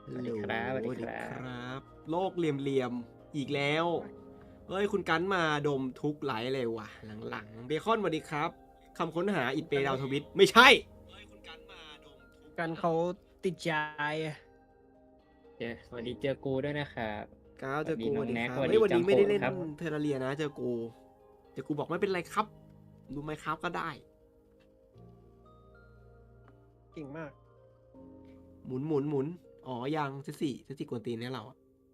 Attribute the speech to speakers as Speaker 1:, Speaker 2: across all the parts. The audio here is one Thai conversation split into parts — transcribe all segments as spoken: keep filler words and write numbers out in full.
Speaker 1: สวัสดีครับสวัสดีครับ
Speaker 2: บโลกเหลี่ยมๆอีกแล้วเฮ้ยคุณกันมาดมทุกไหลเลยว่ะหลังๆเบคอนสวัสดีครับคำค้นหาอิดเปดาวทวิตไม่ใช่เฮ้ยคุณกันมาดมทุก
Speaker 3: กันเขาติดใจอะ
Speaker 1: เจอสวัสดีเจอกูด้วยนะครับ
Speaker 2: ก้าวเจอกู
Speaker 1: ส
Speaker 2: ส
Speaker 1: วั
Speaker 2: วั
Speaker 1: ส
Speaker 2: ส
Speaker 1: ดี
Speaker 2: ดี
Speaker 1: น้อง
Speaker 2: ค
Speaker 1: แน็ก
Speaker 2: รับ
Speaker 1: สวัสดี
Speaker 2: เฮ้ยวันนี้
Speaker 1: จำ
Speaker 2: ไม่ได้
Speaker 1: โข
Speaker 2: เล่น
Speaker 1: ครับ
Speaker 2: เทอร์เรียนะเจอกูเจอกูบอกไม่เป็นไรครับดูไหมครับก็ได้
Speaker 3: เก่งมาก
Speaker 2: หมุนหมุนหมุนอ๋อยังเซสี่เซสี่กวนตีนเนี่ยเราอะ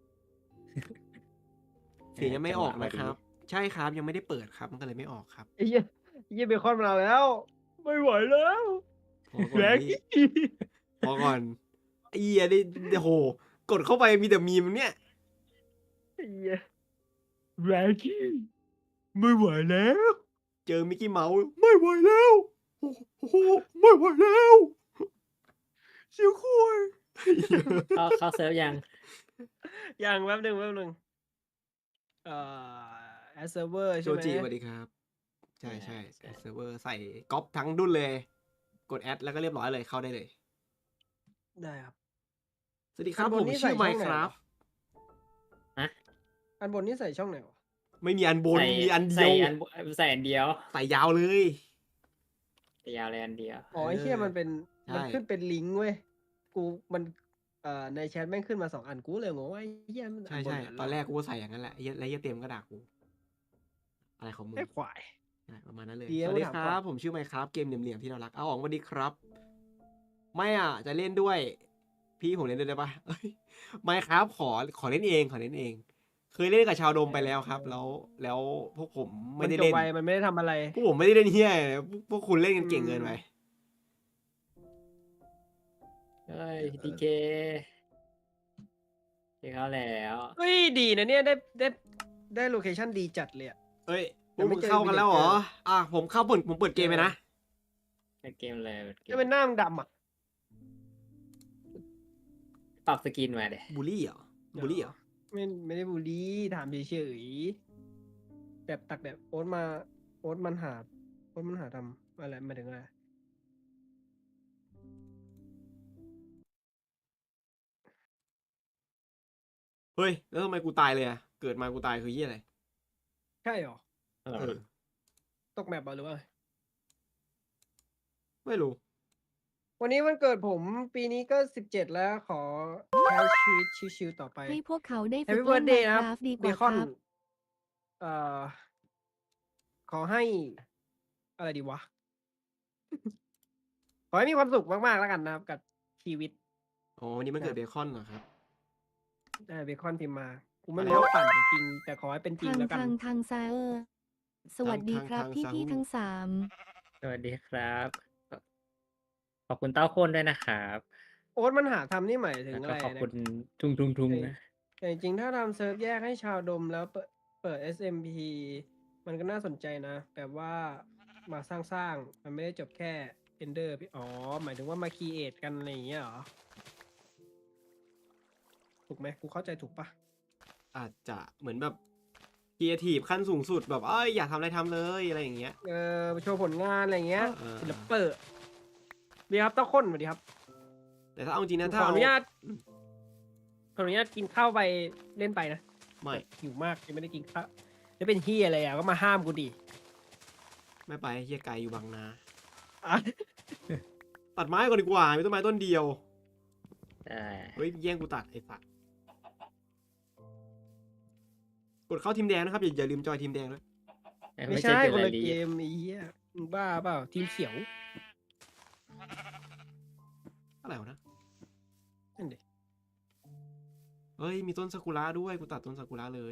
Speaker 2: เสียงยังไม่ออกนะครับ ใช่ครับยังไม่ได้เปิดครับมันก็เลยไม่ออกครับ
Speaker 3: ไอ้เหี้ยไอ้เหี้ยเบคอนมาแล้ว ไม่ไหวแล้ว
Speaker 2: พอก่อน
Speaker 3: แรง
Speaker 2: พี่พอก่อนไอ้เหี้ยนี่โหกดเข้าไปมีแต่มีมเนี่ย
Speaker 3: ไอ้เหี้ยแรงกี้ไม่ไหวแล้ว
Speaker 2: เจอมิกกี้เมาส์ไม่ไหวแล้วโอ้โหไม่ไหวแล้วเสียงคุย
Speaker 1: เข้าเข้าเซิร์ฟยัง
Speaker 3: อย่างแป๊บหนึ่งแป๊บหนึ่งเอ่อแอสเซอร์เวอร์
Speaker 2: โจ
Speaker 3: ใช่ไหม
Speaker 2: จิสวัสดีครับ ใช่ใช่
Speaker 1: ใช่
Speaker 2: เซิร์ฟเวอร์ใส่ก๊อปทั้งดุนเลย กดแอดแล้วก็เรียบร้อยเลยเข้าได้เลย
Speaker 3: ได้ครับ
Speaker 2: สวัสดีครับ
Speaker 3: อันบ
Speaker 2: ผ
Speaker 3: น
Speaker 2: ม
Speaker 3: นี่
Speaker 2: ชื่อ
Speaker 3: ใส่
Speaker 2: ไม
Speaker 3: ช่อง
Speaker 2: ค์
Speaker 3: ไหน
Speaker 2: ครับ
Speaker 3: วะ อันบนนี่ใส่ช่องไหนวะ
Speaker 2: ไม่มีอันบน
Speaker 1: ใส่
Speaker 2: มีอันเดี
Speaker 1: ใส่
Speaker 2: ยว
Speaker 1: อันใส่อันเดียว
Speaker 2: ใส่ยาวเลย
Speaker 1: แต่ยาวเลยอันเดียว
Speaker 3: อ๋อไอ้เหี้ยมันเป็น
Speaker 2: ใช่
Speaker 3: มันขึ้นเป็นลิงก์เว้ย กูมันเอ่อในแชทแม่งขึ้นมาสองอันกูเลยงงว่าไอ้เหี้ยมัน
Speaker 2: ใช่
Speaker 3: นบ
Speaker 2: ใช่
Speaker 3: ห
Speaker 2: ตอนแรกกูก็ใส่อย่างนั้นแหละไอ้เหี้ยแล้วเหี้ยเต็มก็ด่ากูอะไรของมึง
Speaker 3: ไอ้ควาย
Speaker 2: ใช่ประมาณนั้นเลย
Speaker 3: เดี๋ยว
Speaker 2: สวัสดี
Speaker 3: ถาม
Speaker 2: ค
Speaker 3: ก่อน
Speaker 2: รับ ผมชื่อไมค์ครับ เกมเหลี่ยมๆที่เรารัก เอาออกสวัสดีครับ ไม่อ่ะ จะเล่นด้วย พี่ผมเล่นด้วยได้ปะเอ้ยไม่ครับ ขอ ขอเล่นเอง ขอเล่นเอง เคยเล่นกับชาวโดมไปแล้วครับ แล้ว แล้วพวกผมไม่
Speaker 3: มัน
Speaker 2: ได้
Speaker 3: จบ
Speaker 2: เล่น
Speaker 3: ไวมันไม่ได้ทำอะไร
Speaker 2: พวกผมไม่ได้เล่นเฮียเลยพวกพวกคุณเล่นกันเก่งเกินไป
Speaker 1: เฮ้ยดีเคเจอเขาแล้ว
Speaker 3: เฮ้ยดีนะเนี่ยได้ได้ได้โลเคชั่นดีจัดเลยอะ
Speaker 2: เอ้ยพ
Speaker 3: ยั
Speaker 2: วก
Speaker 3: งไม่
Speaker 2: มึง
Speaker 3: เจอ
Speaker 2: เข้ากันแล้วเหรอ
Speaker 3: villager
Speaker 2: อ่ะ ผมเข้าเปิดผมเปิดเกมไปนะ
Speaker 1: เปิดเกมเลยเปิดเก
Speaker 3: จะ
Speaker 1: ม
Speaker 3: เป็นหน้ามึงดำอ่ะ
Speaker 1: ปรับสกินมาเดี๋ย
Speaker 2: บูลลี่เหรอ บูลลี่เหรอ
Speaker 3: ไม่ไม่ได้บูลลี่ถามเฉยๆแบบตักแบบโอ๊ตมาโอ๊ตมันหาโอ๊ตมันหาทำอะไรหมายถึงอะไร
Speaker 2: เฮ้ย แล้วทำไมกูตายเลยอ่ะ เกิดมากูตายคือเฮียอะไร
Speaker 3: ใช่หรอ
Speaker 1: เอ
Speaker 2: เอ
Speaker 1: อ
Speaker 2: อ
Speaker 3: ตกแมปเหรอหรือว่า
Speaker 2: ไม่รู้
Speaker 3: วันนี้วันเกิดผมปีนี้ก็สิบเจ็ดแล้วขอใช้ชีวิตชิวๆต่อไป
Speaker 4: ให้พวกเขาได้
Speaker 3: แฮป
Speaker 4: ฝึก
Speaker 3: ปี้เบิ
Speaker 4: เล่
Speaker 3: ร์ด
Speaker 4: น
Speaker 3: เดย์นะครับ
Speaker 4: Minecraft ดีก
Speaker 3: เบ
Speaker 4: ว่า
Speaker 3: คอน
Speaker 4: ครับ
Speaker 3: เอ่อ ขอให้ อะไรดีวะ ขอให้มีความสุขมากๆแล้วกันนะครับ กับชีวิต
Speaker 2: อ๋อวันนี้มันเกิดเบคอนเหรอครับ
Speaker 3: ได้เบคอนพิมพ์มา กูไม่
Speaker 2: อะไร
Speaker 3: รู้ว่าปั่นจริงๆแต่ขอให้เป็นจริง
Speaker 4: ทาง
Speaker 3: แล้วกัน
Speaker 4: ทางทางซาเออร์สวัสดีครับ
Speaker 2: ทาง
Speaker 4: พี่
Speaker 2: ทาง
Speaker 4: พี่
Speaker 2: ทาง
Speaker 4: ทั้งสาม
Speaker 1: สวัสดีครับ ขอบคุณเต้าคนด้วยนะครับ
Speaker 3: โอ๊ตมันหาทำนี่หมายถึง
Speaker 1: แล้ว
Speaker 3: อะ
Speaker 1: ก็
Speaker 3: ไร
Speaker 1: ขอบ
Speaker 3: นะ
Speaker 1: คุณทุงทุงทุง
Speaker 3: เอ้ย
Speaker 1: นะ
Speaker 3: แต่จริงๆถ้าทำเซิร์ฟแยกให้ชาวดมแล้วเปิดเปิด เอส เอ็ม พี มันก็น่าสนใจนะ แบบว่ามาสร้างๆ มันไม่ได้จบแค่ Ender อ๋อ หมายถึงว่ามาครีเอทกันอะไรอย่างเงี้ยเหรอ ถูกไหมกูเข้าใจถูกปะ
Speaker 2: อาจจะเหมือนแบบครีเอทีฟขั้นสูงสุดแบบเอ้ยอยากทำอะไรทำเลยอะไรอย่างเงี้ย
Speaker 3: เออโชว์ผลงานอะไรอย่างเงี้ย
Speaker 2: เออ
Speaker 3: ศิลปเปิดดีครับเต้าข้นสวัสดีครับ
Speaker 2: แต่ถ้าเอาจริงนะ
Speaker 3: ข
Speaker 2: ถ้า
Speaker 3: ออ
Speaker 2: เอา
Speaker 3: นุญาตขออนุญาตกินข้าวไปเล่นไปนะ
Speaker 2: ไม่
Speaker 3: หิวมากยังไม่ได้กินข้าวแล้วเป็นเฮียอะไรอ่ะก็มาห้ามกูดิ
Speaker 2: ไม่ไปเฮียไกลอยู่บางนา
Speaker 3: อ่ะ
Speaker 2: ตัดไม้ก่อนดีกว่ามีต้นไม้ต้นเดียว
Speaker 1: ใช่
Speaker 2: เฮ้ยแย่งกูตัดไอ้สัตว์กดเข้าทีมแดงนะครับอย่าอย่าลืมจอยทีมแดงด้วย
Speaker 3: ไม่ใช่
Speaker 1: เจอ
Speaker 3: คน
Speaker 1: ไร
Speaker 3: ละ
Speaker 1: ลี
Speaker 3: เกมไอ้เหี้ยมึงบ้าเปล่าทีมเขียว
Speaker 2: อะไรวะนะ
Speaker 3: นั่นดิ
Speaker 2: เฮ้ยมีต้นซากุระด้วยกูตัดต้นซากุระเลย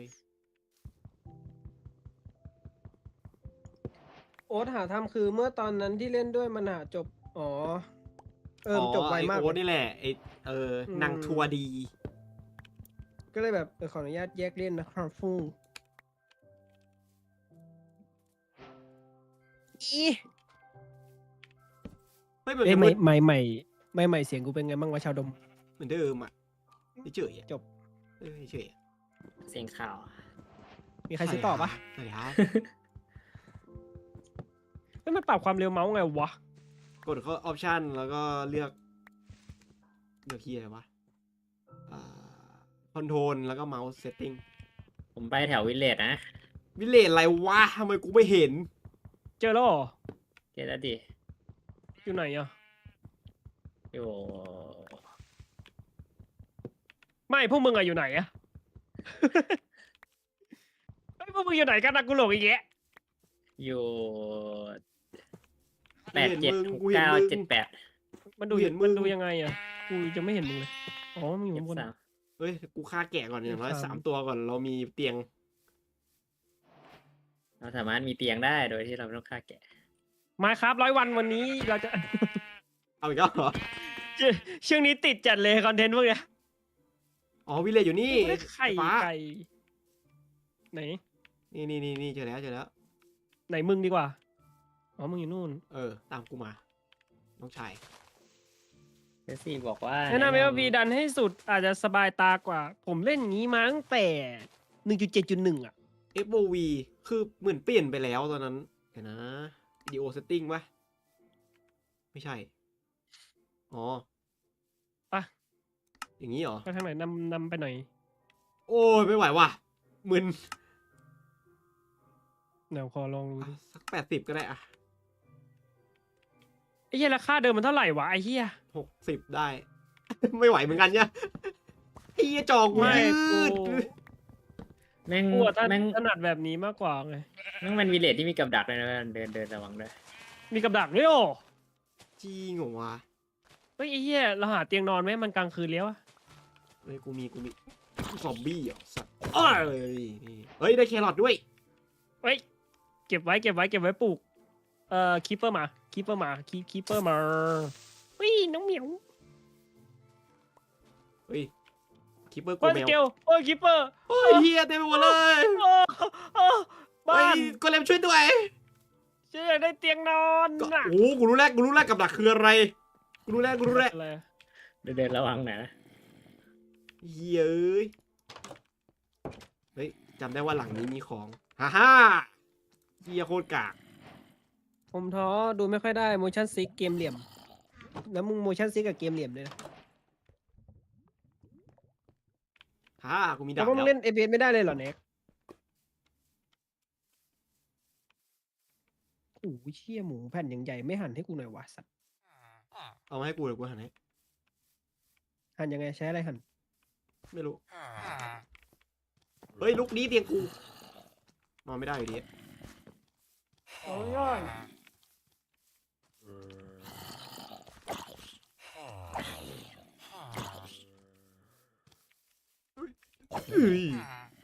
Speaker 3: โอ๊ตหาทำคือเมื่อตอนนั้นที่เล่นด้วยมันหาจบ อ๋อ เออมันจบไวมาก
Speaker 2: ไอ้โอ๊ต
Speaker 3: เลย
Speaker 2: นี่แหละไอ้เอออ
Speaker 3: ม
Speaker 2: นางทัวร์ดี
Speaker 3: ก็เลยแบบเออขออนุญาตแยกเล่นนะครับฟูอี
Speaker 2: เฮ้ยมัน
Speaker 3: เอ้ย
Speaker 2: จะ
Speaker 3: ใหม่
Speaker 2: มืด
Speaker 3: ใหม่ใหม่ใหม่ใหม่เสียงกูเป็นไงบ้างวะชาวดม
Speaker 2: เหมือนเดิมอ่ะเฉยๆอะ
Speaker 3: จบ
Speaker 2: เออเฉยๆอะ
Speaker 1: เสียงข่าว
Speaker 3: มีใครซื้อต่อปะ
Speaker 2: สวัสดีครับ
Speaker 3: แล้วมันปรับความเร็วเมาส์ไงวะ
Speaker 2: กดเข้าออปชันแล้วก็เลือกเลือกที่อะไรวะคอนโทรลแล้วก็เมาส์เซตติ้ง
Speaker 1: ผมไปแถววิลเลจนะ
Speaker 2: วิเลจอะไรวะทำไมกูไม่เห็น
Speaker 3: เจอแล้วเหรอ
Speaker 1: เกตแล้วดิ
Speaker 3: อยู่ไหนอ่ะ
Speaker 1: อยู่
Speaker 3: ไม่พวกมึงอะอยู่ไหนอะ ไอ้ยพวกมึงอยู่ไหนกันนะกูหลงอีกแยะ
Speaker 1: อยู่
Speaker 2: กู
Speaker 1: แปด
Speaker 2: เห็น
Speaker 1: เจ็ด
Speaker 2: มึง
Speaker 1: หก
Speaker 2: กูเห็น
Speaker 1: เก้า
Speaker 2: มึง
Speaker 1: เจ็ดแปด
Speaker 3: มันดู
Speaker 2: กูเห็นมึง
Speaker 3: มันดูยังไงอะกูจะไม่เห็นมึงเลยอ๋อมึงอยู่
Speaker 1: เจ็ด
Speaker 3: ข้างบน
Speaker 1: สาม
Speaker 2: เฮ้ยกูฆ่าแกะก่อนอย่างน้อย
Speaker 3: สาม
Speaker 2: สามตัวก่อนเรามีเตียง
Speaker 1: เราสามารถมีเตียงได้โดยที่เราไม่ต้องฆ่าแกะ
Speaker 3: มาครับร้อยวันวันนี้เราจะ
Speaker 2: เอาอีกแล้วเหรอ
Speaker 3: ช่วงนี้ติดจัดเลยคอนเทนต์พวกเนี้ย
Speaker 2: อ๋อวิเลจอยู่นี่
Speaker 3: ไม่ได้ไข่
Speaker 2: ฟ้า
Speaker 3: ไก่ไหน
Speaker 2: นี่นี่นี่นี่เจอแล้วเจอแล้ว
Speaker 3: ไหนมึงดีกว่าอ๋อมึงอยู่นู่น
Speaker 2: เออ ตามกูมา น้องชาย
Speaker 1: เจสซี่บอกว่า
Speaker 3: แนะนำไหมว่าวีดันให้สุดอาจจะสบายตากว่า ผมเล่นอย่างนี้มาตั้งแต่หนึ่งจุดเจ็ดจุดหนึ่งอ่ะ
Speaker 2: เอฟ โอ วี คือเหมือนเปลี่ยนไปแล้วตอนนั้นเดี๋ยวนะวิดีโอเซตติ้งปะไม่ใช่ อ๋อ
Speaker 3: ปะ
Speaker 2: อย่างนี้เหรอ
Speaker 3: ไปทางไหนนำนำไปหน่อย
Speaker 2: โอ้ยไม่ไหวว่ะมึน
Speaker 3: เดี๋ยวขอลอง
Speaker 2: อ่ะสักแปดสิบก็ได้อะ
Speaker 3: ไอ้เหี้ยราคาเดิมมันเท่าไหร่วะไอ้เหี้ย
Speaker 2: หกสิบได้ ไม่ไหวเหมือนกันเนี่ยไอ้เหี้ยจอกู
Speaker 3: ไม่
Speaker 2: ยื
Speaker 3: กู
Speaker 2: ด
Speaker 1: แม่ง
Speaker 3: กูอะถ
Speaker 1: แม่ง
Speaker 3: ถนัดแบบนี้มากกว่าไง
Speaker 1: แม่งเป็นวิลเลจที่มีกับดักเลยนะเดินเดินระวังด้วย
Speaker 3: มีกับดักด้วยโอ้
Speaker 2: จริงเหรอวะ
Speaker 3: เฮ้ยไอ้เหี้ยเราหาเตียงนอนไหมมันกลางคืนแล้วอะ
Speaker 2: เฮ้ยกูมีกูมีซอมบี้เหรอสัตว์เอ้ยนี่เฮ้ยได้แครอทด้วย
Speaker 3: เฮ้ยเก็บไว้เก็บไว้เก็บไว้ปลูกเอ่อคีเปอร์มาคีเปอร์มาคีคีเปอร์มาเฮ้ยน้องเหมียว
Speaker 2: เฮ้ยคิปเปอร์กู
Speaker 3: โอ้ย
Speaker 2: แม
Speaker 3: ส
Speaker 2: ว
Speaker 3: เกลโอ้ยคีเปอร์
Speaker 2: เฮ้ยเฮียเต็มไปหมดเลย
Speaker 3: โอ้โอ้บ้า
Speaker 2: เฮ้ย
Speaker 3: น
Speaker 2: ก็เลมช่วยด้วย
Speaker 3: ฉันอยากได้เตียงนอน
Speaker 2: ก็
Speaker 3: น่ะ
Speaker 2: โอ้กูรู้แล้วกูรู้แล้วกับดักคืออะไรกูรู้แล้วกูรู้แล้ว
Speaker 3: อะไรอะ
Speaker 1: เดินเดินระวังหน่อยนะ
Speaker 2: เฮ้ยเอ้ยเฮ้ยจำได้ว่าหลังนี้มีของฮ่าฮ่าเฮียโคตรกาก
Speaker 3: ผมท้อดูไม่ค่อยได้ motion sick เกมเหลี่ยม แล้วมึง motion sick กับเกมเหลี่ยมเลยนะ
Speaker 2: ฮ่ากูมี
Speaker 3: แต่
Speaker 2: ดาบ
Speaker 3: ว่ามึง
Speaker 2: แล้ว
Speaker 3: เล่น เอ พี เอส ไม่ได้เลยเหรอเน็กโอ้โหเชี่ยหมูแผ่นอย่างใหญ่ไม่หั่นให้กูหน่อยวะสัตว์
Speaker 2: เอามาให้กูเดี๋ยวกูหันให้
Speaker 3: หั่นยังไงใช้อะไรหั่น
Speaker 2: ไม่รู้เฮ้ยลุกนี้เตียงกูนอนไม่ได้อยู่ดี
Speaker 3: โอ้ย
Speaker 2: เฮ้ย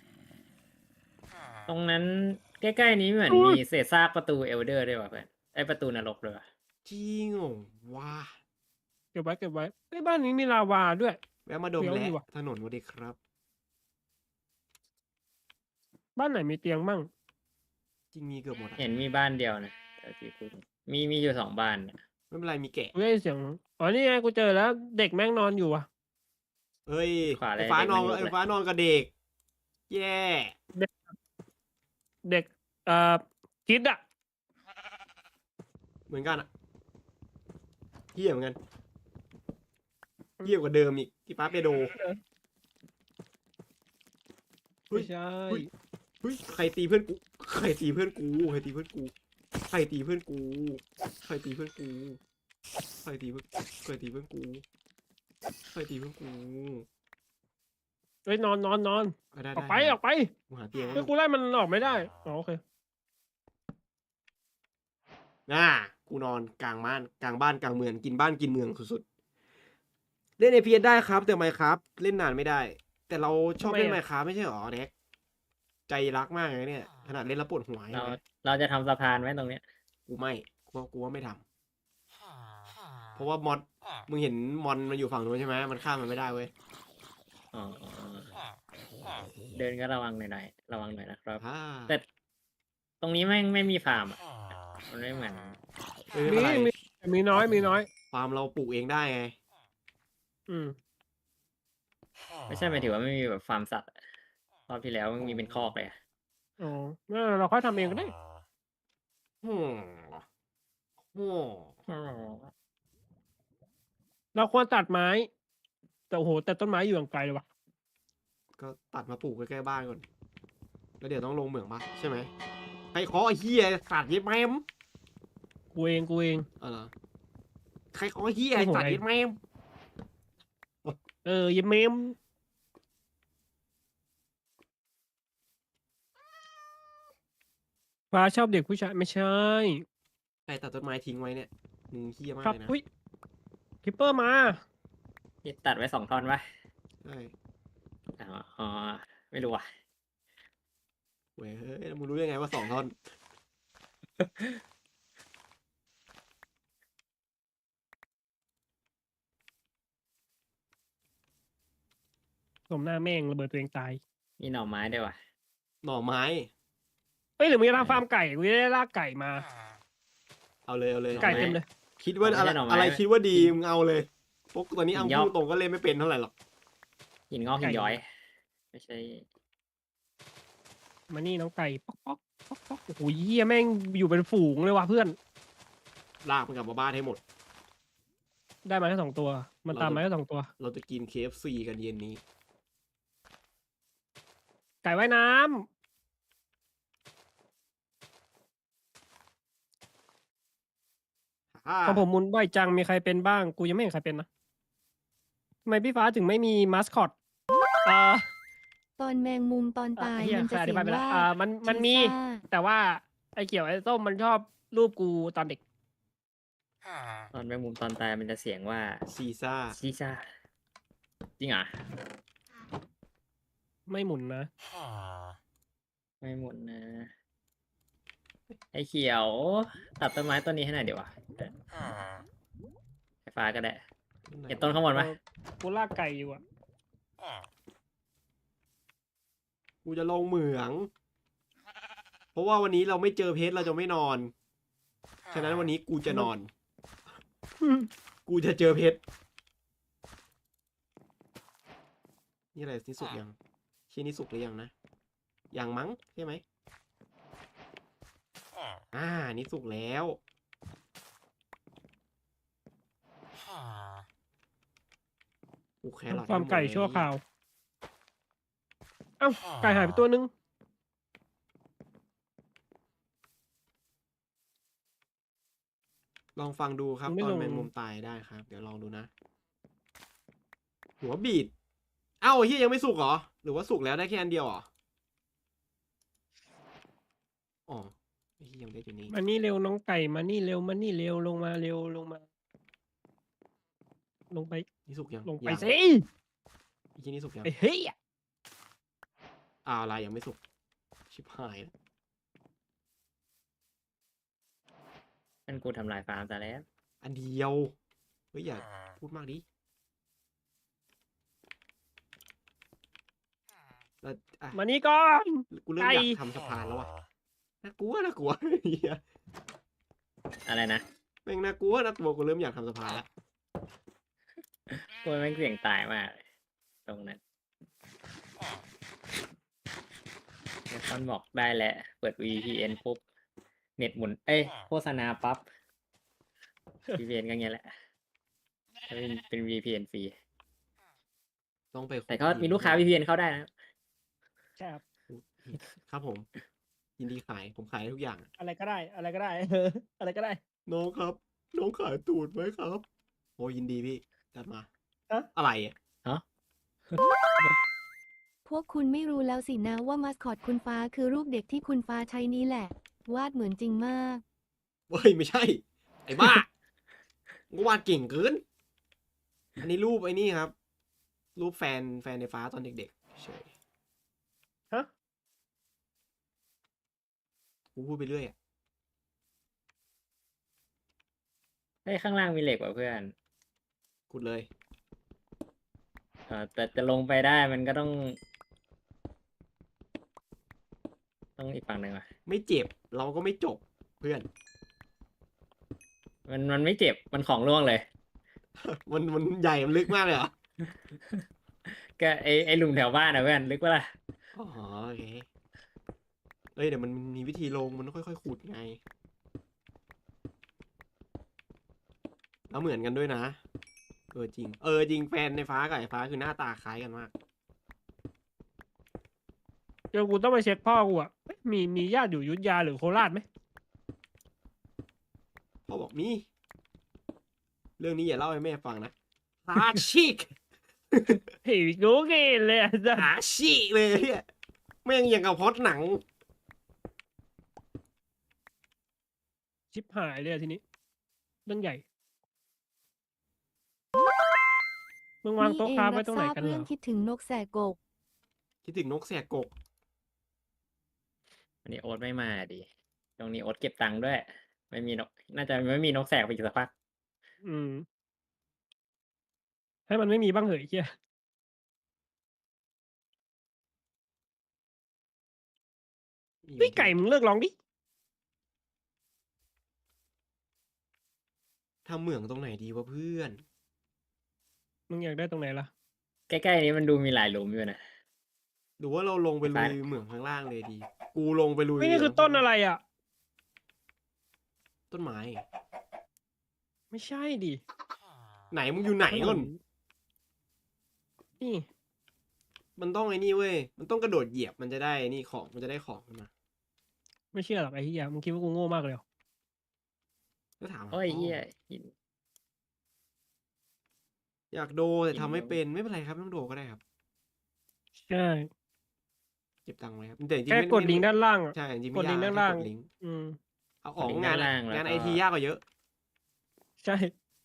Speaker 1: ตรงนั้นใกล้ๆนี้เหมือนมีเศษซากประตูเอลเดอร์ด้วยว่ะเพื่อนไอประตูนรกเลยว่ะ
Speaker 2: จริงเหรอว้า
Speaker 3: เก็บไว้เก็บไว้ไอ้ยบ้านนี้มีลาวาด้วย
Speaker 2: แวะมาดม
Speaker 3: เดี๋ยว
Speaker 2: และ
Speaker 3: ดีว่ะ
Speaker 2: ถนนวันดีครับ
Speaker 3: บ้านไหนมีเตียงมั่ง
Speaker 2: จริงมีเกือบหมดอะ
Speaker 1: เห็นมีบ้านเดียวนะแต่ที่กูมีมีอยู่สองบ้านนะ
Speaker 2: ไม่เป็นไรมีแกะ
Speaker 3: กูได้ยินเสียงอ๋อนี่ไงกูเจอแล้ว เด็กแม่งนอนอยู่อ่ะ
Speaker 2: เฮ้ย
Speaker 1: ขวา
Speaker 2: ไอ้
Speaker 1: เลย
Speaker 2: ฟ้า
Speaker 1: เด็ก
Speaker 2: นอน
Speaker 1: ไม่ลุก
Speaker 2: ไอ้
Speaker 1: เลย
Speaker 2: ฟ้านอนกับเด็ก แย่
Speaker 3: เด็กเอ่อคิดอ่ะ
Speaker 2: เหมือนกันอะเหี้ยเหมือนกันเหี้ยกว่าเดิมอีกที่ฟ้าเปโด เฮ้ย
Speaker 3: ไม่ใช่
Speaker 2: เฮ้ย เฮ้ยใครตีเพื่อนกูใครตีเพื่อนกูใครตีเพื่อนกูใครตีเพื่อนกูใครตีเพื่อนกูใครตีเพื่อนใครตีเพื่อนกูใครตีเพื่อนกู
Speaker 3: เฮ้ยนอนนอนนอน
Speaker 2: เอาได้
Speaker 3: ออก
Speaker 2: ได้
Speaker 3: ไปออกไป
Speaker 2: กูหาเตียง
Speaker 3: เฮ้ยกูไล่มันออกไม่ได้อ๋อโอเค
Speaker 2: น่ากูนอนกลางบ้านกลางบ้านกลางเมืองกินบ้านกินเมืองสุดๆเล่น เอ พี เอส ได้ครับแต่ไมครับ เล่นนานไม่ได้ แต่เราชอบเล่นไมครับไม่ใช่หรอเด็กใจรักมากเลยเนี่ยขนาดเล่นแล้วปวดหัว
Speaker 1: เรา
Speaker 2: เลย
Speaker 1: เราจะทำสะพานไว้ตรงเนี้ย
Speaker 2: กูไม่กูว่ากูว่าไม่ทำเพราะว่ามอดมึงเห็นมอนมันอยู่ฝั่งนู้นใช่ไหมมันข้ามมันไม่ได้เว้ย
Speaker 1: อ๋อเดินก็ระวังหน่อยๆระวังหน่อยนะครับ
Speaker 2: ฮ่า
Speaker 1: แต่ตรงนี้ไม่งไม่มีฟาร์มอ่ะมันไม่เหมือน
Speaker 2: เอ้ยไม่
Speaker 3: มี
Speaker 2: เป็นไร
Speaker 3: มีมีน้อยมีน้อย
Speaker 2: ฟาร์มเราปลูกเองได้ไง
Speaker 3: อืม
Speaker 1: ไม่ใช่หมายถึงว่าไม่มีแบบฟาร์มสัตว์อะรอบที่แล้วมันมีเป็นคอกเลยอะ
Speaker 3: อ๋อเออเราค่อยทำเองก็ได้
Speaker 2: ฮึมฮึม
Speaker 3: เราควรตัดไม้แต่โอ้โหแต่ต้นไม้อยู่อย่างไกลเลยว่ะ
Speaker 2: ก็ตัดมาปลูกใกล้ๆบ้านก่อน แล้วเดี๋ยวต้องลงเหมืองปะใช่ไหมใครเคาะไอ้เหี้ยสัตว์เย็ดแม่ม
Speaker 3: กูเองกูเอง
Speaker 2: เออเหรอใครเคาะไอ้เหี้ยไอ้สัตว์เย็ดแม่ม
Speaker 3: เออเยเมมฟ้าชอบเด็กผู้ชายไม่ใช่
Speaker 2: ใครตัดต้นไม้ทิ้งไว้เนี่ยมึงเหี้ยมาก
Speaker 3: ครับ
Speaker 2: เลยนะ
Speaker 3: อุ้ยคิปเปอร์มา
Speaker 1: ที่ตัดไว้สองท่อนปะ
Speaker 2: ใช่
Speaker 1: อ๋ออ๋อไม่รู้ว่ะ
Speaker 2: เว้ยเฮ้ยมึงรู้ยังไงว่าสองท่อน
Speaker 3: สมหน้าแม่งระเบิดตัวเองตาย
Speaker 1: มีหน่อไม้ด้วยว่ะ
Speaker 2: หน่อไม้
Speaker 3: เอ้ยหรือมึงจะทำฟาร์มไก่กูจะได้ลากไก่มา
Speaker 2: เอาเลยเอาเลย
Speaker 3: ไก่เต็มเลย
Speaker 2: คิดว่าอะไร
Speaker 1: ไม่ใช่หน่อไม้
Speaker 2: อะไรคิดว่าดีมึงเอาเลยพวกตอนนี้
Speaker 1: หิ
Speaker 2: เอา
Speaker 1: นยอก
Speaker 2: พูดตรงก็เล่นไม่เป็นเท่าไหร่หรอก
Speaker 1: หินงอกหิน
Speaker 3: ไก่
Speaker 1: ย้อย ไม่ใช่
Speaker 3: มานี่น้องไก่ป๊อกป๊อกป๊อกป๊อกโอ้โหเหี้ยแม่งอยู่เป็นฝูงเลยว่ะเพื่อน
Speaker 2: ลากมันกลับมาบ้านให้หมด
Speaker 3: ได้มาแค่สองตัว มันตามมาแค่สองตัว
Speaker 2: เราจะกิน เค เอฟ ซี กันเย็นนี้
Speaker 3: ไก่ว่ายน้ำ
Speaker 2: อ่า
Speaker 3: ของผมมุนบ่อยจังมีใครเป็นบ้าง กูยังไม่เห็นใครเป็นนะทำไมพี่ฟ้าถึงไม่มีมาสคอตอ่า
Speaker 4: ตอนแมงมุมตอน
Speaker 3: อ่ะ
Speaker 4: ตาย
Speaker 3: เหี้ย
Speaker 4: มัน
Speaker 3: เค
Speaker 4: จะ
Speaker 3: ยอ
Speaker 4: เสี
Speaker 3: ธิ
Speaker 4: ย
Speaker 3: บาย
Speaker 4: ง
Speaker 3: ไปแล้ว
Speaker 4: ว่า
Speaker 3: อ่ามันมันมี
Speaker 4: ชีซ่า
Speaker 3: แต่ว่าไอ้เกี่ยวไอ้ส้มมันชอบรูปกูตอนเด็ก
Speaker 1: ตอนแมงมุมตอนตายมันจะเสียงว่า
Speaker 2: ซีซ่า
Speaker 1: ซีซ่าจริงเหรอ
Speaker 3: ไม่หมุนนะ
Speaker 1: ไม่หมดนะ ไอ้เขียว ตัดต้นไม้ต้นนี้ให้หน่อยเดี๋ยววะไฟฟ้าก็ได้ เห็นต้นข้างบนไหม
Speaker 3: เออกูลากไก่อยู่อ่ะ
Speaker 2: กูจะลงเหมือง เพราะว่าวันนี้เราไม่เจอเพชรเราจะไม่นอน ฉะนั้นวันนี้กูจะนอน กูจะเจอเพชร นี่อะไรนี่สุกยังชิ้นนี้สุกหรือยังนะ ยังมั้งใช่ไหม อ่า นี่สุกแล้วกูแครอท
Speaker 3: ฟาร์ม
Speaker 2: ให้หด
Speaker 3: ไก่
Speaker 2: เลย
Speaker 3: ชั่วคราว เอ้า ไก่หายไปตัวนึง
Speaker 2: ลองฟังดูครับ
Speaker 3: มึงไม่
Speaker 2: ตอน
Speaker 3: ลง
Speaker 2: แมงมุมตายได้ครับ เดี๋ยวลองดูนะ หัวบีด เอ้าไอ้เฮียยังไม่สุกเหรอ หรือว่าสุกแล้วได้แค่อันเดียวเหรอ อ๋อไอ้เฮียยังได้อยู่นี้
Speaker 3: มานี่เร็วน้องไก่มานี่เร็วมานี่เร็วลงมาเร็วลงมา ลงไป
Speaker 2: นี่สุกยัง
Speaker 3: ลงไป
Speaker 2: ยัง
Speaker 3: สิ
Speaker 2: ไอ้เฮียนี่สุกยัง
Speaker 3: ไอ้เฮ้ย
Speaker 2: อ้าวอะไรยังไม่สุก ชิบหายแล้ว
Speaker 1: นั่นกูทำลายฟาร์มแต่แล้ว
Speaker 2: อันเดียว เฮ้ยอย่าพูดมากดิแล้วอ่ะ
Speaker 3: มานี่ก่อน
Speaker 2: กูเริ่ม
Speaker 3: ไก่
Speaker 2: อยากทำสะพานแล้วว่ะน่ากลัวน่ากลัว เฮีย
Speaker 1: อะไรนะ
Speaker 2: แม่งน่ากลัวน่ากลัวกูเริ่มอยากทำสะพานแล้ว
Speaker 1: กูแม่งเสี่ยงตายมากเลยตรงนั้นเดี๋ยวตอนบอกได้แหละ เปิด วี พี เอ็น ปุ๊บ เน็ตหมุน เอ้ย โฆษณาปั๊บ วี พี เอ็น ก็เงี้ยแหละเป็นเป็น วี พี เอ็น ฟรี
Speaker 2: ต้องไป
Speaker 1: แต่ก็มีลูกค้า วี พี เอ็น เข้าได้นะ
Speaker 3: ใช่ครับ
Speaker 2: ครับผม ยินดีขาย ผมขายได้ทุกอย่าง
Speaker 3: อะไรก็ได้ อะไรก็ได้ อะไรก็ได้
Speaker 2: น้องครับ น้องขายตูดไหมครับ โอ้ยินดีพี่ จัดมา
Speaker 3: ฮะ
Speaker 2: อะไรอ่ะ
Speaker 4: พวกคุณไม่รู้แล้วสินะว่ามาสคอตคุณฟ้าคือรูปเด็กที่คุณฟ้าใช้นี้แหละ วาดเหมือนจริงมาก
Speaker 2: เฮ้ย ไม่ใช่ ไอ้บ้า กูวาดเก่งเกิน อันนี้รูปไอ้นี่ครับ รูปแฟนแฟนในฟ้าตอนเด็กๆเฉย
Speaker 3: ฮะ
Speaker 2: กูพูดไปเรื่อยอ่ะ
Speaker 1: เฮ้ย ข้างล่างมีเหล็กว่ะเพื่อน
Speaker 2: พูดเลย
Speaker 1: เออแต่จะลงไปได้มันก็ต้อง ต้องอีกฝั่งหนึ่งว่ะ
Speaker 2: ไม่เจ็บ เราก็ไม่จบเพื่อน
Speaker 1: มันมันไม่เจ็บ มันของร่วงเลย
Speaker 2: มันมันใหญ่ มันลึกมากเลยเหรอ
Speaker 1: ก็ไอไอหลุมแถวบ้านนะเพื่อนลึกปะล่ะ
Speaker 2: อ๋อโอเค เอ้ยเดี๋ยวมันมีวิธีลง มันต้องค่อยๆขุดไง แล้วเหมือนกันด้วยนะเออจริง เออจริงแฟนในฟ้ากับไอ้ฟ้าคือหน้าตาคล้ายกันมาก
Speaker 3: เดี๋ยวกูต้องไปเช็คพ่อกูอ่ะเอ๊ะมีมีญาติอยู่อยุธยาหรือโคราชไหม
Speaker 2: พ่อบอกมี เรื่องนี้อย่าเล่าให้แม่ฟังนะหาชิก
Speaker 3: เฮ้ยกูเกนเลยอ่ะจ้ะ
Speaker 2: หาชิเลยเนี่ยแม่งอย่างกับพล็อดหนัง
Speaker 3: ชิบหายเลยอะทีนี้เรื่องใหญ่มึงวาง
Speaker 4: นี่
Speaker 3: โต๊ะ
Speaker 4: เอง
Speaker 3: ค้าไว้
Speaker 4: รับ
Speaker 3: ตรง
Speaker 4: ท
Speaker 3: ไหน
Speaker 4: ราบ
Speaker 3: กันเหร
Speaker 4: เรื่อง
Speaker 3: อ
Speaker 4: คิดถึงนกแสกกก
Speaker 2: คิดถึงนกแสกกก
Speaker 1: อันนี้โอ๊ตไม่มาดิตรงนี้โอ๊ตเก็บตังค์ด้วย ไม่มีนก น่าจะไม่มีนกแสกไปอีกสักพัก
Speaker 3: อืม ให้มันไม่มีบ้างเหยเฮีย
Speaker 2: มี
Speaker 3: เฮ้ยไก่มึงเลิกร้องดิ
Speaker 2: ทำเหมืองตรงไหนดีวะเพื่อน
Speaker 3: มึงอยากได้ตรงไหนล่ะ
Speaker 1: ใกล้ๆนี้มันดูมีหลายหลุมอยู่นะ
Speaker 2: หรือว่าเราลงไป
Speaker 1: ไป
Speaker 2: ลุยเหมืองข้างล่างเลยดี กูลงไปลุย
Speaker 3: เฮ้ยนี่คือต้นอะไรอ่ะ
Speaker 2: ต้นไม้
Speaker 3: ไม่ใช่ดิ
Speaker 2: ไหนมึงอยู่ไหนก่อน
Speaker 3: นี่
Speaker 2: มันต้องไอ้นี่เว้ย มันต้องกระโดดเหยียบมันจะได้นี่ของ มันจะได้ของขึ้นมา
Speaker 3: ไม่เชื่อหรอกไอ้เฮียมึงคิดว่ากูโง่มากเลยเหรอ
Speaker 2: ก็ถามหา
Speaker 1: โอ้ย
Speaker 2: พ่อ
Speaker 1: เหี้ยหิน
Speaker 2: อยากโดแต่
Speaker 1: หิน
Speaker 2: ทำไม่
Speaker 1: ลง
Speaker 2: เป็นไม่เป็นไรครับไม่ต้องโดก็ได้ครับ
Speaker 3: ใช่
Speaker 2: เก็บตังค์ไว้ครับแต่จริงๆ
Speaker 3: แค่
Speaker 2: ไม่
Speaker 3: กด
Speaker 2: ไม่
Speaker 3: ลิงก์ด้านล่างอ่ะ
Speaker 2: ใช่จริงๆ
Speaker 3: ก
Speaker 2: ไม่
Speaker 3: ดลิ
Speaker 2: ยาก
Speaker 3: งก์ด้าน
Speaker 2: แค่
Speaker 3: ล่าง
Speaker 2: กดลิงก์
Speaker 3: อืม
Speaker 2: เอาของ
Speaker 1: ลิงก์
Speaker 2: งาน
Speaker 1: ด้านล่างแล้ว
Speaker 2: งาน
Speaker 1: ก็
Speaker 2: ไอทียากกว่าเยอะ
Speaker 3: ใช่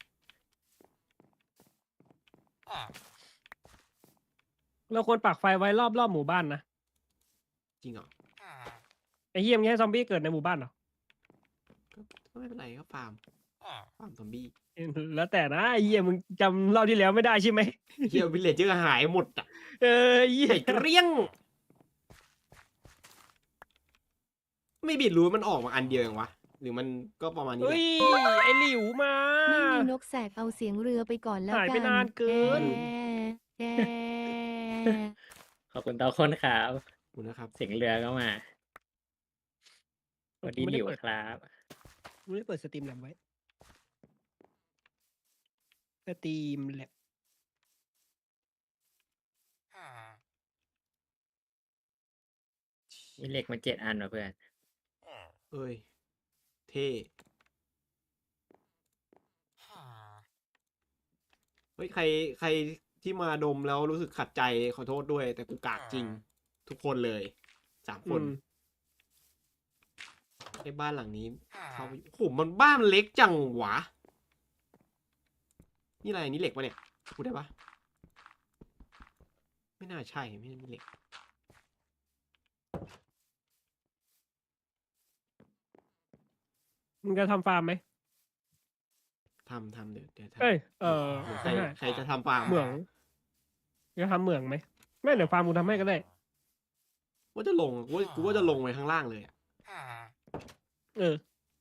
Speaker 3: เราควรปักไฟไว้รอบรอบหมู่บ้านนะ
Speaker 2: จริงเหรอ
Speaker 3: ไอ้เฮียมึงให้ซอมบี้เกิดในหมู่บ้านเหรอ
Speaker 2: ก็ก็ไม่เป็นไรก็ฟาร์มฟาร์มซอมบี้
Speaker 3: แล้วแต่นะไอ้เฮียมึงจำรอบที่แล้วไม่ได้ใช่ไหม
Speaker 2: เฮียวิลเลจเจอร์หายหมดอ่ะ
Speaker 3: เออเฮีย
Speaker 2: หายเกลี้ยง ไม่บิดรู้มันออกมาอันเดียวเองวะ หรือมันก็ประมาณนี้แห
Speaker 3: เฮ้
Speaker 2: ละ
Speaker 3: ยไอ้หลิวมา
Speaker 4: ไม่มีนกแสกเอาเสียงเรือไปก่อนแล้ว
Speaker 3: หาย
Speaker 4: กั
Speaker 3: ไปนานเกิน
Speaker 4: แกแก
Speaker 1: ขอบคุณตาคนครับ
Speaker 2: ขอบคุณนะครับ
Speaker 1: เสียงเรือก็มาสวัสดี
Speaker 3: ไม่
Speaker 1: ห
Speaker 3: ได้
Speaker 1: ลิว
Speaker 3: เปิด
Speaker 1: ครับ
Speaker 3: ไม่ได้เปิดสตรีมแลบไว้สตรีมแลบ
Speaker 1: มีเหล็กมาเจ็ดอันว่ะเพื่อน
Speaker 2: เอ้ย เท่เฮ้ยใครใครที่มาดมแล้วรู้สึกขัดใจขอโทษด้วย แต่กูกากจริง ทุกคนเลยสามคน
Speaker 3: อืม
Speaker 2: ไอ้บ้านหลังนี้เขาไปโอ้โหมันบ้านมันเล็กจังหวะ นี่อะไรนี่เหล็กปะเนี่ยพูดได้ปะไม่น่าใช่ไม่ใช่เหล็ก
Speaker 3: มึงจะทำฟาร์มไหม
Speaker 2: ทำทำเดี๋ยวเดี๋ยวทำ
Speaker 3: เอ้ย เออ
Speaker 2: หรือใคร
Speaker 3: ไม่ใช่
Speaker 2: ใครจะทำฟาร์ม
Speaker 3: เหมืองจะทำเหมืองไหมไม่เดี๋ยวฟาร์มกูทำให้ก็ได้
Speaker 2: ว่าจะลงกูว่ากูว่าจะลงไปข้างล่างเลยอะ
Speaker 3: เออ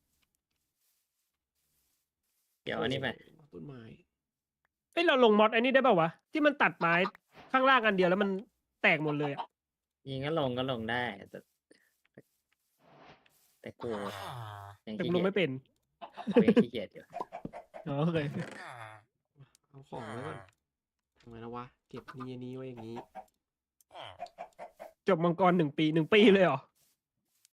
Speaker 1: เดี๋ยวอันนี้ไป
Speaker 2: โอ้โหต้นไม้
Speaker 3: เอ้ยเราลงมอดไอ้นี่ได้ป่าววะ ที่มันตัดไม้ข้างล่างอันเดียวแล้วมันแตกหมดเลยอะ
Speaker 1: ยิงก็ลงก็ลงได้ แต่แต่กูยัง
Speaker 3: แต่
Speaker 1: ขี้
Speaker 3: กูล
Speaker 1: เกี
Speaker 3: ง
Speaker 1: ยจ
Speaker 3: ไม่เป็น
Speaker 1: กูยังขี้เกียจอยู่
Speaker 3: อ๋อโอเค
Speaker 2: เอาของไว้ก่อนทำไงแล้ววะ เก็บนี่อันนี้ไว้อย่างนี้
Speaker 3: จบมังกรหนึ่งปีหนึ่งปีเลยเหรอ